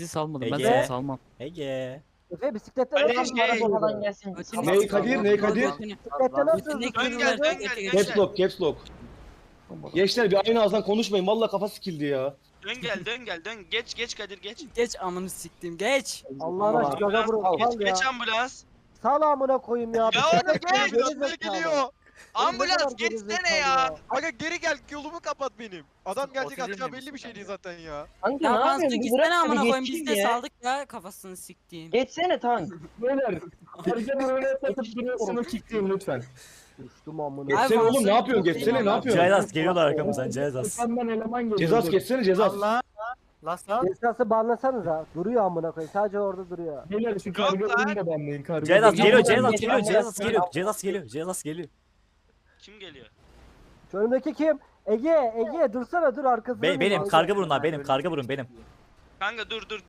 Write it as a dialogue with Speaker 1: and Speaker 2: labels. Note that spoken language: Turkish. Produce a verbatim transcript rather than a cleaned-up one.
Speaker 1: Bizi salmadım. Ben
Speaker 2: Ege.
Speaker 1: seni salmam.
Speaker 2: Ege.
Speaker 3: Efe bisikletle
Speaker 4: Hadi
Speaker 3: nasıl
Speaker 4: şey.
Speaker 3: arabadan
Speaker 4: gelsin.
Speaker 5: Ney Kadir, ney Kadir?
Speaker 3: Bisikletle nasıl
Speaker 4: Dön gel dön gel
Speaker 5: Caps
Speaker 4: gençler.
Speaker 5: lock, caps lock. Gençler bir aynı ağızdan konuşmayın. Vallahi kafa sikildi ya.
Speaker 4: Dön gel dön gel dön. Geç geç Kadir geç.
Speaker 1: Geç amını siktim geç.
Speaker 3: Allah'ın aşkına gaza vurun.
Speaker 4: Geç,
Speaker 3: Sal ya.
Speaker 4: geç ambulans.
Speaker 3: Sal amına koyayım ya.
Speaker 4: Ya orada
Speaker 3: Bisikletle
Speaker 4: geç.
Speaker 3: geri
Speaker 6: Ambulans
Speaker 3: zekalı.
Speaker 6: geliyor.
Speaker 3: Oğlum ne
Speaker 4: Ambulans
Speaker 3: kadar geri
Speaker 4: geçsene
Speaker 3: zekalı
Speaker 4: ya.
Speaker 6: Aga geri gel yolumu kapat benim. Adam gelecek
Speaker 1: Otizm
Speaker 6: atacağı
Speaker 1: demişsin
Speaker 6: belli bir şey
Speaker 1: ben
Speaker 6: değil
Speaker 1: ya.
Speaker 6: zaten ya.
Speaker 7: Kanka
Speaker 1: Ya
Speaker 7: ne
Speaker 1: ben
Speaker 7: yapıyorsun?
Speaker 1: size
Speaker 7: Bir
Speaker 1: gitsene
Speaker 7: bırak
Speaker 1: amına
Speaker 7: bir
Speaker 1: koyayım biz
Speaker 7: geçeyim
Speaker 1: de
Speaker 7: ya.
Speaker 1: saldık ya kafasını siktiğim.
Speaker 7: Geçsene tank.
Speaker 5: Beyler. Hareket öyle yatıp duruyorsunuz kickleyin lütfen.
Speaker 3: Düştüm amına.
Speaker 5: Geçsene
Speaker 1: Abi,
Speaker 5: oğlum ne yapıyorsun?
Speaker 1: Fazla-
Speaker 5: Geçsene ne yapıyorsun?
Speaker 2: Cezas geliyorlar arkamızdan Cezas.
Speaker 5: Cezas geçsene Cezas.
Speaker 8: Lasta.
Speaker 3: Esası banlasanıza. Duruyor amına koyayım. Sadece orada duruyor.
Speaker 5: Beyler şu
Speaker 4: karga oyunu
Speaker 5: da banlayın.
Speaker 2: Cezas geliyor
Speaker 7: Ambulans
Speaker 2: Cezas
Speaker 7: geç,
Speaker 2: geliyor
Speaker 7: ambulans
Speaker 2: Cezas
Speaker 7: geç.
Speaker 2: geliyor Cezas geliyor Cezas geliyor.
Speaker 4: Kim geliyor?
Speaker 3: Şu önümdeki kim? Ege, Ege dursana dur arkasında.
Speaker 2: Be
Speaker 3: dur.
Speaker 2: benim
Speaker 3: Ege.
Speaker 2: karga burunlar benim karga burun benim.
Speaker 4: Kanka dur dur.